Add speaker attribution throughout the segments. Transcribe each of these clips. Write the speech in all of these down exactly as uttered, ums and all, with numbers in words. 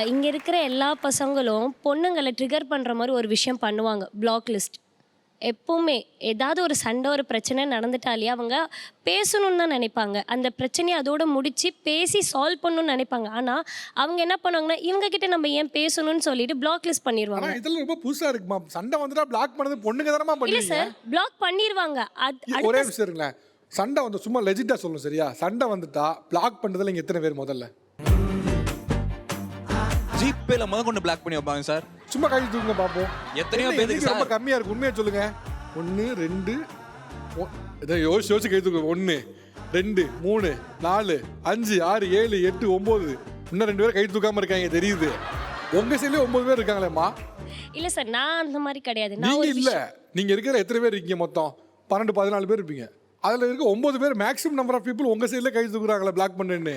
Speaker 1: இங்கே இருக்கிற எல்லா பசங்களும் பொண்ணுங்களை ட்ரிகர் பண்ணுற மாதிரி ஒரு விஷயம் பண்ணுவாங்க. பிளாக் லிஸ்ட் எப்போவுமே ஏதாவது ஒரு சண்டை ஒரு பிரச்சனை நடந்துட்டாலே அவங்க பேசணும்னு தான் நினைப்பாங்க. அந்த பிரச்சனையை அதோட முடித்து பேசி சால்வ் பண்ணணும்னு நினைப்பாங்க. ஆனால் அவங்க என்ன பண்ணுவாங்கன்னா இவங்ககிட்ட நம்ம ஏன் பேசணும்னு சொல்லிட்டு பிளாக் லிஸ்ட் பண்ணிடுவாங்க.
Speaker 2: இதெல்லாம் ரொம்ப புதுசாக இருக்குமா? சண்டை வந்துட்டா பிளாக் பண்ணது பொண்ணுங்க தானமா பண்ணுவீங்க?
Speaker 1: இல்லை சார், பிளாக் பண்ணிடுவாங்க. அது
Speaker 2: ஒரே விஷயம் இருங்களேன், சண்டை வந்து சும்மா லெஜிட்டாக சொல்லணும் சரியா? சண்டை வந்துட்டா பிளாக் பண்ணுறதுல இங்கே எத்தனை பேர் முதல்ல
Speaker 3: ஜிபேல முத கொண்டு பிளாக் பண்ணி வைப்பாங்க சார்?
Speaker 2: சும்மா கை தூக்குங்க பார்ப்போம்.
Speaker 3: எத்தனையோ பேருக்கு
Speaker 2: ரொம்ப கம்மியாக இருக்கு. உண்மையாக சொல்லுங்க. ஒன்று ரெண்டு இதை யோசிச்சு யோசிச்சு கை தூக்கு. ஒன்று ரெண்டு மூணு நாலு அஞ்சு ஆறு ஏழு எட்டு ஒம்பது. இன்னும் ரெண்டு பேரும் கை தூக்காமல் இருக்காங்க தெரியுது. உங்கள் சைட்லேயே ஒம்பது பேர் இருக்காங்களேம்மா.
Speaker 1: இல்லை சார், நான் அந்த மாதிரி கிடையாது.
Speaker 2: நீங்கள் இல்லை, நீங்கள் இருக்கிற எத்தனை பேர் இருக்கீங்க? மொத்தம் பன்னெண்டு பதினாலு பேர் இருப்பீங்க. அதில் இருக்க ஒம்பது பேர் மேக்ஸிமம் நம்பர் ஆஃப் பீப்புள் உங்கள் சைடில் கை தூக்குறாங்களே பிளாக் பண்ணுன்னு.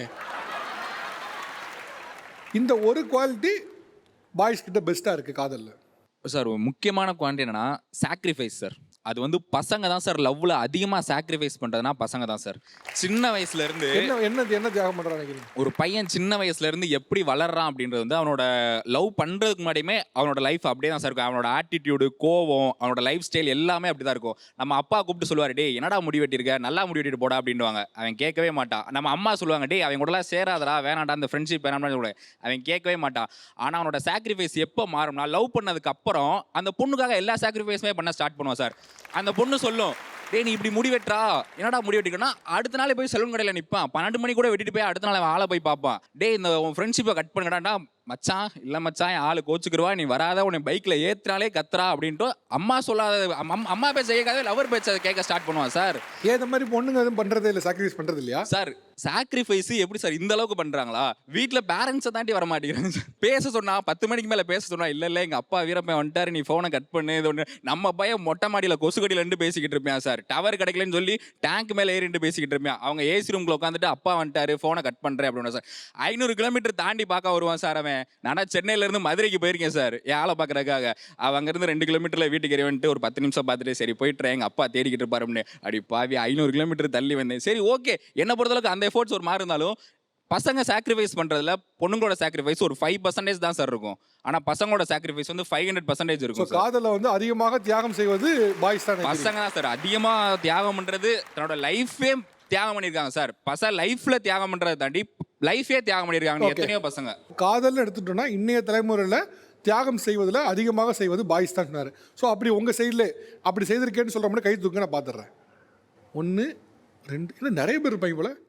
Speaker 2: இந்த ஒரு குவாலிட்டி பாய்ஸ் கிட்ட பெஸ்ட்டாக இருக்குது காதலில்.
Speaker 3: சார் முக்கியமான குவாலிட்டி என்னன்னா சாக்ரிஃபைஸ் சார். அது வந்து பசங்க தான் சார் லவ்ல அதிகமாக சாக்ரிஃபைஸ் பண்ணுறதுனா பசங்க தான் சார். சின்ன வயசுல இருந்து
Speaker 2: என்ன என்ன என்ன தியாகம் பண்ணுறான்னு நினைக்கிறீங்க?
Speaker 3: ஒரு பையன் சின்ன வயசுல இருந்து எப்படி வளர்றான் அப்படின்றது வந்து அவனோட லவ் பண்ணுறதுக்கு முன்னாடியுமே அவனோட லைஃப் அப்படியே தான் சார் இருக்கும். அவனோட ஆட்டிடியூடு, கோவம், அவனோட லைஃப் ஸ்டைல் எல்லாமே அப்படி தான் இருக்கும். நம்ம அப்பா கூப்பிட்டு சொல்லுவார், டே என்னடா முடி வெட்டியிருக்க, நல்லா முடி வெட்டிட்டு போடா அப்படின்வாங்க. அவன் கேட்கவே மாட்டான். நம்ம அம்மா சொல்லுவாங்க, டே அவன் கூடலாம் சேராதடா, வேணாண்டா, அந்த ஃப்ரெண்ட்ஷிப் வேணாம்னு சொல்லுவாங்க. அவன் கேட்கவே மாட்டான். ஆனால் அவனோட சாக்ரிஃபைஸ் எப்போ மாறும்னா லவ் பண்ணதுக்கு அப்புறம் அந்த பொண்ணுக்காக எல்லா சாக்ரிஃபைஸுமே பண்ண ஸ்டார்ட் பண்ணுவான் சார். அந்த பொண்ணு சொல்லும், டே நீ இப்படி முடி வெட்டுறா, என்னடா முடி வெட்டிக்கணும்னா அடுத்த நாளே போய் சலூன் கடையில் நிற்பான். பன்னெண்டு மணி கூட வெட்டிட்டு போய் அடுத்த நாள் அவன் ஆளை போய் பார்ப்பான். டே இந்த உன் ஃப்ரெண்ட்ஷிப்பை கட் பண்ணுங்கடாண்டா. மச்சான் இல்லை மச்சான், என் ஆளு கோச்சுக்குருவா, நீ வராத, உன்னை பைக்கில் ஏற்றினாலே கத்துறா அப்படின்ட்டு அம்மா சொல்லாத அம்மா பேச்ச கேட்காத லவர் பேச்ச கேட்க ஸ்டார்ட் பண்ணுவான் சார்.
Speaker 2: ஏன் இந்த மாதிரி பொண்ணுங்க எதுவும் பண்ணுறதே இல்லை, சாக்ரிஃபைஸ் பண்ணுறது இல்லையா
Speaker 3: சார்? சாக்ரிஃபைஸ் எப்படி சார் இந்த அளவுக்கு பண்ணுறாங்களா? வீட்டில் பேரண்ட்ஸை தாண்டி வர மாட்டேங்கிறாங்க சார். பேச சொன்னா பத்து மணிக்கு மேலே பேச சொன்னா இல்லை இல்லை எங்கள் அப்பா வீரப்பன் வந்துட்டாரு, நீ ஃபோனை கட் பண்ணு இது ஒன்று. நம்ம பையன் மொட்டை மாடியில் கொசு கடியிலேருந்து பேசிக்கிட்டு இருப்பேன் சார். டவர் கிடைக்கலன்னு சொல்லி டேங்க் மேலே ஏறிட்டு பேசிக்கிட்டு இருப்பேன். அவங்க ஏசி ரூமில் உட்காந்துட்டு அப்பா வந்துட்டாரு ஃபோனை கட் பண்ணுறேன் அப்படின்னா சார் ஐநூறு கிலோமீட்டர் தாண்டி பார்க்க வருவான் சார் அவன். நானா சென்னையிலேருந்து மதுரைக்கு போயிருக்கேன் சார் என் ஆளை பார்க்குறதுக்காக. அவன் அங்கேருந்து ரெண்டு கிலோமீட்டரில் வீட்டுக்கு வந்துட்டு ஒரு பத்து நிமிஷம் பார்த்துட்டு சரி போயிட்டுறேன், எங்கள் அப்பா தேடிக்கிட்டு இருப்பாருன்னு. அப்படி பாவி ஐநூறு கிலோமீட்டர் தள்ளி வந்தேன். சரி ஓகே, என்னை பொறுத்தளவுக்கு அந்த எஃபோர்ட்ஸ் ஒரு மாதிரி இருந்தாலும் பசங்க சாக்ரிஃபைஸ் பண்ணுறதுல பொண்ணுங்களோட சாக்ரிஃபைஸ் ஒரு ஃபைவ் பர்சன்டேஜ் தான் சார் இருக்கும். ஆனால் பசங்களோட சாக்ரிஃபைஸ் வந்து ஃபைவ் ஹண்ட்ரட் பர்சன்டேஜ் இருக்கும்.
Speaker 2: காதலில் வந்து அதிகமாக தியாகம் செய்வது பாய்ஸ் தான்.
Speaker 3: பசங்க தான் சார் அதிகமாக தியாகம் பண்ணுறது. தன்னோட லைஃபே தியாகம் பண்ணியிருக்காங்க சார். பசங்க லைஃப்பில் தியாகம் பண்ணுறதை தாண்டி லைஃபே தியாகம் பண்ணியிருக்காங்க எத்தனையோ பசங்க.
Speaker 2: காதல்னு எடுத்துட்டோம்னா இன்னைய தலைமுறையில் தியாகம் செய்வதில் அதிகமாக செய்வது பாய்ஸ் தான் சொன்னார். ஸோ அப்படி உங்கள் சைடில் அப்படி செய்திருக்கேன்னு சொல்கிற மாதிரி கை தூக்க நான் பார்த்துட்றேன். ஒன்று ரெண்டு இல்லை நிறைய பேர் இருப்பாங்க போல.